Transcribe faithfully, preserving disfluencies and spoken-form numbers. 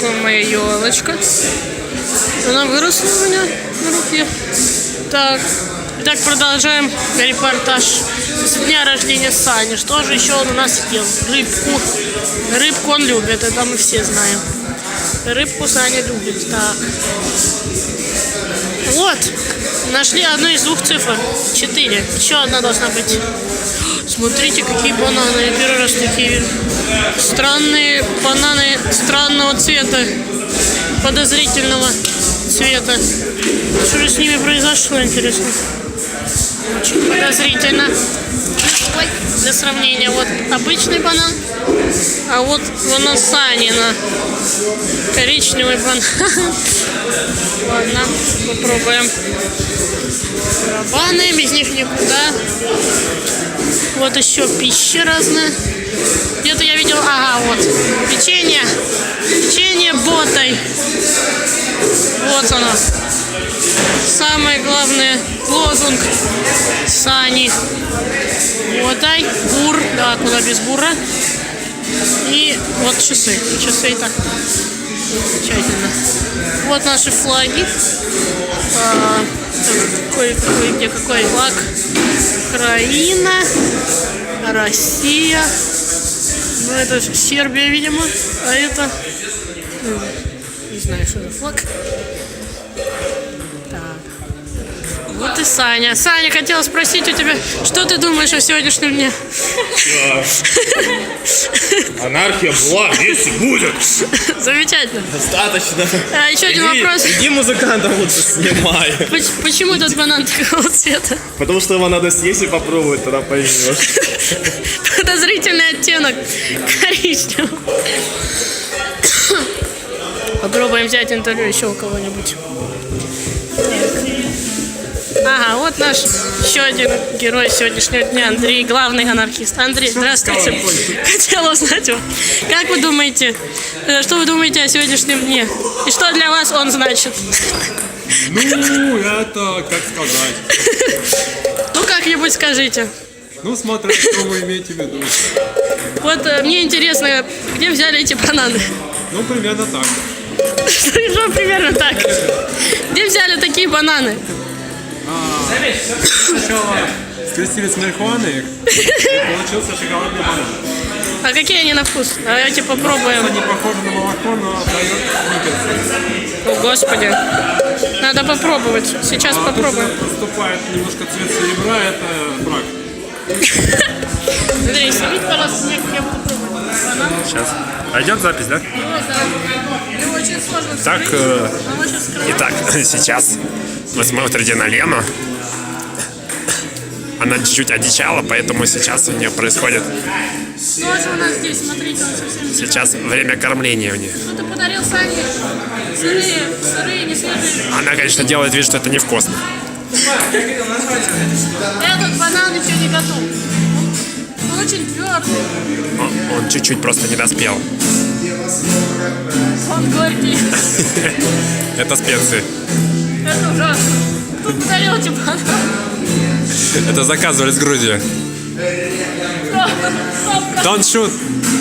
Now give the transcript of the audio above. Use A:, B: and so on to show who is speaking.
A: такая моя елочка. Она выросла у меня на руке. Так, итак, продолжаем репортаж с дня рождения Сани. Что же еще он у нас ел? Рыбку. Рыбку он любит, это мы все знаем. Рыбку Саня любит. Так. Вот, нашли одну из двух цифр. Четыре. Еще одна должна быть. Смотрите, какие бананы. Я первый раз такие странные бананы странного цвета. Подозрительного цвета. Что же с ними произошло, интересно? Очень подозрительно. Ой, для сравнения, вот обычный банан, а вот банан Санина. Коричневый банан. Ладно, попробуем. Барабаны, без них никуда. Вот еще пища разная. Где-то я видел, ага, вот, печенье. Печенье ботой. Вот оно. Самый главный лозунг Сани. Ботай, бур, да, куда без бура. И вот часы. Часы и так. Замечательно. Вот наши флаги. А, какой, какой, где какой флаг? Украина, Россия. Ну, это Сербия, видимо. А это... Не знаю, что за флаг. Так. Вот и Саня. Саня, хотела спросить у тебя, что ты думаешь о сегодняшнем дне?
B: Анархия была, есть и будет.
A: Замечательно.
B: Достаточно.
A: А, еще один
B: иди,
A: вопрос.
B: Иди музыкантом лучше снимай.
A: Почему этот банан такого цвета?
B: Потому что его надо съесть и попробовать, тогда поймешь.
A: Подозрительный оттенок коричневого. Попробуем взять интервью еще у кого-нибудь. Ага, вот наш еще один герой сегодняшнего дня, Андрей, главный анархист. Андрей, здравствуйте. Хотела узнать вас, как вы думаете, что вы думаете о сегодняшнем дне? И что для вас он значит?
C: Ну, это, как сказать.
A: Ну, как-нибудь скажите.
C: Ну, смотря, что вы имеете в виду.
A: Вот э, мне интересно, где взяли эти бананы?
C: Ну, примерно так.
A: Что примерно так? Где взяли такие бананы?
C: Сначала скрестили с марихуаной, и получился шоколадный банан.
A: А какие они на вкус? Давайте попробуем.
C: Это не похоже на молоко, но дает никаких.
A: О, Господи. Надо попробовать. Сейчас
C: А
A: попробуем.
C: тут поступает немножко цвет серебра, это брак.
A: Андрей, снимите, пожалуйста, мне, как я буду пробовать банан.
D: Сейчас. А идет запись, да?
A: Ну, да. Его очень сложно
D: Так,
A: вскрыть.
D: э,
A: Он очень скрывает.
D: Итак, сейчас вы смотрите на Лену. Она чуть-чуть одичала, поэтому сейчас у нее происходит...
A: Тоже у нас здесь, смотрите, он совсем...
D: Сейчас время кормления у нее.
A: Что ты подарил Сане? Сырые, сырые, не свежие.
D: Она, конечно, делает вид, что это невкусно.
A: Этот банан еще не готов. Он очень твердый.
D: Он, он чуть-чуть просто не доспел.
A: Он горький.
D: Это специи.
A: Это ужасно. Кто подарил эти бананы?
D: Это заказывали с Грузии. Don't shoot.